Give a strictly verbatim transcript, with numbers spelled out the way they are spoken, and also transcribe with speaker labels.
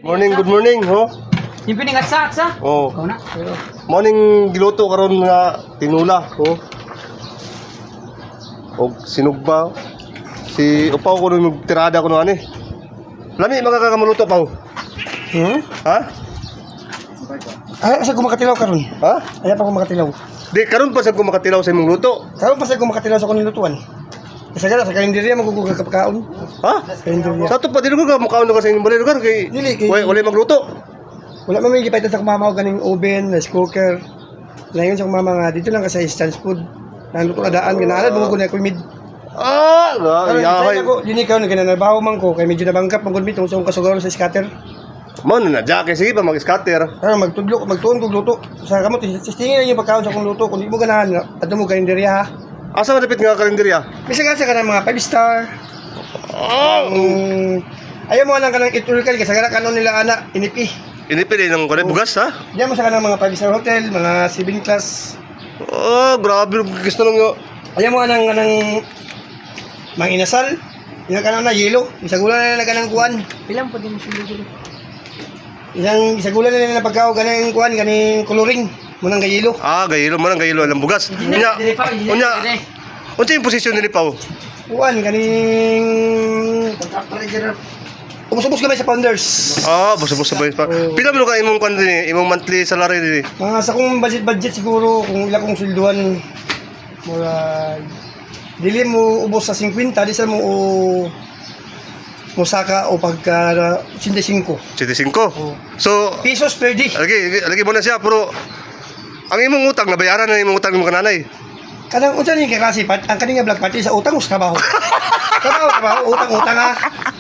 Speaker 1: Morning, good morning, ho.
Speaker 2: Yung piningatsa-atsa?
Speaker 1: Oh.
Speaker 2: Ikaw na. Pero,
Speaker 1: Morning giluto karon nga tinula, ho. Og sinugba. Si upaw ko nung tirada ko no ani. Lami magkakamaluto pa.
Speaker 3: Hmm?
Speaker 1: Ha?
Speaker 3: Ay, asa ko makatilaw karon?
Speaker 1: Ha?
Speaker 3: Ay, pa ko makatilaw.
Speaker 1: Di karon pa sa ko makatilaw sa imong luto.
Speaker 3: Karon pa sa ko makatilaw sa kuning lutuan. Kasi gala sa kalendarya magugugol ka pagkaon.
Speaker 1: Ha?
Speaker 3: Kalendarya.
Speaker 1: Sa to pa dili ko ka mukhaon ka sa imong lugar kay
Speaker 3: Dili, kay-
Speaker 1: Wala wala magluto.
Speaker 3: Wala man may gipaitan sa kumamaw ganing oven, rice cooker. Layon sa kumama nga dito lang ka sa instant food. Nang luto na daan ganaala mo ko na ko mid.
Speaker 1: Ah,
Speaker 3: Karon
Speaker 1: yahay.
Speaker 3: yeah, ako, dili ka na gananabaho man ko kay medyo nabangkap man gud mi tungod sa akong kasugaro sa scatter.
Speaker 1: Man na jake sige pa mag-scatter.
Speaker 3: Karon magtudlo, magtuon kog luto. Sa kamot testingin lang yung pagkaon sa akong luto kun di mo ganahan adto mo kalendarya ha.
Speaker 1: Asa man dapit nga kalendarya?
Speaker 3: Bisa ka sa kanang mga five star.
Speaker 1: Oh.
Speaker 3: Um, ayaw mo lang kanang historical kasi gara kanon nila ana inipi.
Speaker 1: Inipili ng kulit bugas ha?
Speaker 3: Diyan mo sa kanang mga five star hotel, mga seven class.
Speaker 1: Oh, grabe gusto nung yo.
Speaker 3: Ayaw mo kanang kanang mga inasal. Ina kanang na yelo. Isagulan na nila kanang kuan.
Speaker 2: pilang po din sila.
Speaker 3: Isang isagulan na nila na pagkao kanang kuan kaning coloring mo nang gayelo.
Speaker 1: Ah, gayilo man ang gayilo alam bugas. Unya.
Speaker 2: Dili pa, dili
Speaker 1: Unya.
Speaker 2: pa.
Speaker 1: Unsa yung posisyon ni Pao?
Speaker 3: Kuan kaning Ubus-ubus kami sa founders.
Speaker 1: Ah, busa-busa sabay pa.
Speaker 3: Oh.
Speaker 1: Pila man ka imong kan dinhi, imong monthly salary dinhi?
Speaker 3: Mga sa kong budget-budget siguro kung ila kong swelduan mura dili mo ubos sa fifty, di sa mo o musaka o pagka eighty-five
Speaker 1: seventy-five.
Speaker 3: Oh.
Speaker 1: So,
Speaker 3: pesos per day.
Speaker 1: lagi lagi mo na siya pero ang imong utang nabayaran na imong utang mo kananay.
Speaker 3: Kanang unsa ni klase pat ang kaning black party sa utang us trabaho. Trabaho trabaho utang utang ha.